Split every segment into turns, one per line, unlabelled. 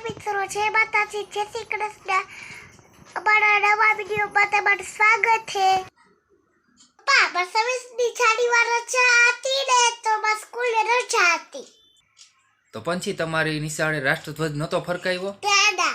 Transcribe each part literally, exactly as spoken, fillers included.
મિત્રો, જય માતાજી, જય શ્રી કૃષ્ણ. અમારા નવા વિડીયોમાં તમારું સ્વાગત છે. પપ્પા, બસ વીસમી જાન્યુઆરી રજા હતી ને તો બસ સ્કૂલે રજા હતી.
તો પછી તમારી નિશાળે રાષ્ટ્રધ્વજ નહોતો ફરકાવ્યો?
દાદા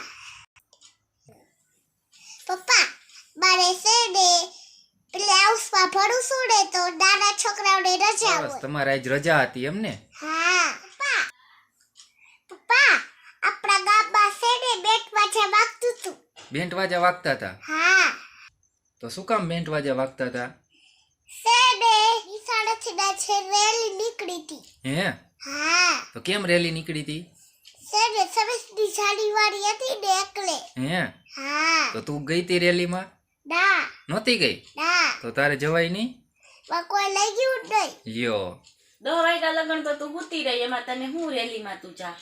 પપ્પા, મારે છે ને પ્લે હાઉસમાં ભણું છું ને તો નાના છોકરાઓને રજા હોય.
તમારે આજ રજા હતી એમ ને?
હા પપ્પા. પપ્પા, આપણા ગામમાં છે ને બેન્ટ વાજા વાગતું હતું.
બેન્ટ વાજા વાગતા હતા?
હા.
તો શું કામ બેન્ટ વાજા વાગતા હતા?
છે ને નિશાળેથી ના છે રેલી નીકળી હતી.
હે?
હા.
તો કેમ રેલી નીકળી હતી?
છે ને છવ્વીસમી જાન્યુઆરી હતી ને એટલે.
હે?
હા.
તો તું ગઈ તી રેલીમાં?
ના.
નહોતી ગઈ?
ના.
તો તારે જવાય નહીં?
પણ કોઈ લઈ ગયું જ નહીં.
લ્યો.
દસ વાગ્યા લગન તો તું ગુતી રહી, એમાં તને હું રેલીમાં તું જા.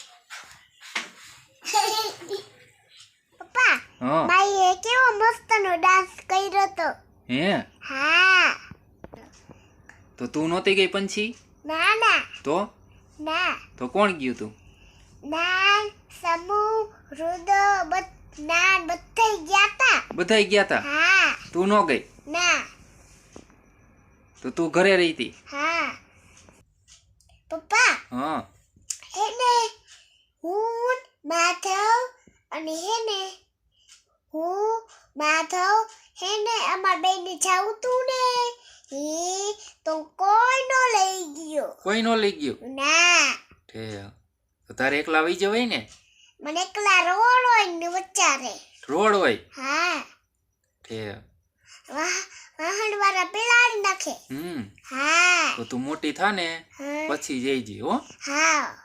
પપ્પા,
હા.
બાઈએ કેવો મસ્તનો ડાન્સ કર્યો તો.
હે?
હા.
તો તું નહોતી ગઈ પંછી?
ના ના.
તો?
ના.
તો કોણ ગયું તું?
નાન, સમૂહ, રુદો, બધ નાન બધાય ગયા તા.
બધાય ગયા તા?
હા.
તું ન ગઈ?
ના.
તો તું ઘરે રહી હતી?
હા. પપ્પા,
હા.
હેને હું માધવ અને હેને હું માધવ હેને અમાર બેને જાવું તું ને એ તો કોઈ નો લઈ ગયો.
કોઈ નો લઈ ગયું?
ના.
ઠે. તો તારે એકલા આવી જવાય ને?
મને એકલા રોડ હોય ને વચારે.
રોડ હોય?
હા.
ઠે.
વાહ, વાહન વાળા પેલાડી નાખે.
હમ.
હા.
તો તું મોટી થા ને
હા.
પછી જઈજી હો.
હા.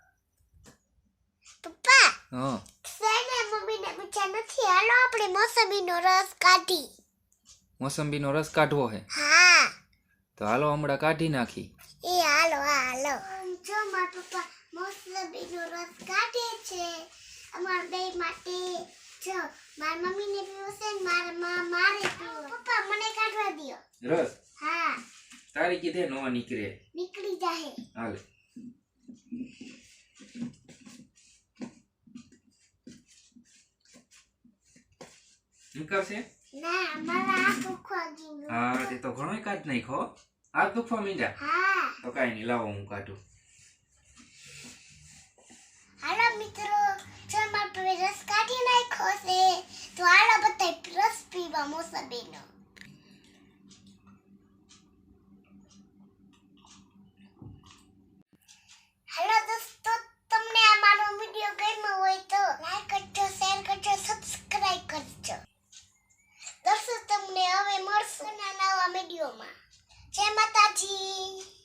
પપ્પા,
હા.
સેને મમ્મીને પૂછ્યા નથી, હાલો આપણે મોસંબીનો રસ કાઢી.
મોસંબીનો રસ કાઢવો હે?
હા.
તો હાલો હમણાં કાઢી નાખી.
એ હાલો હાલો. જો મારા પપ્પા મોસંબીનો રસ કાઢે છે અમાર બે માટે. જો મારી મમ્મીને પીવો છે ને મારા માં મારે પીવો. પપ્પા, મને કાઢવા દ્યો.
રસ?
હા.
તારી કીધે નો નીકળે.
નીકળી જાહે.
હાલે. નીકળશે?
ના, મારા આ દુખવા ગયું.
હા, તે તો ઘણોય કાઢ નાખો. આ દુખવા મીંડા?
હા.
તો કાંઈ નહીં, લાવો હું કાઢું.
હાલો મિત્રો, જો મારા પપ્પાએ રસ કાઢી નાખ્યો છે તો હાલો બધા રસ પીવા મોસંબીનો. હેલો દોસ્તો, તમને આ મારો વિડિયો ગમ્યો હોય તો લાઈક કરજો, શેર કરજો, સબસ્ક્રાઇબ કરજો. દોસ્તો, તમને હવે મળશું નવા વિડિયોમાં. જય માતાજી.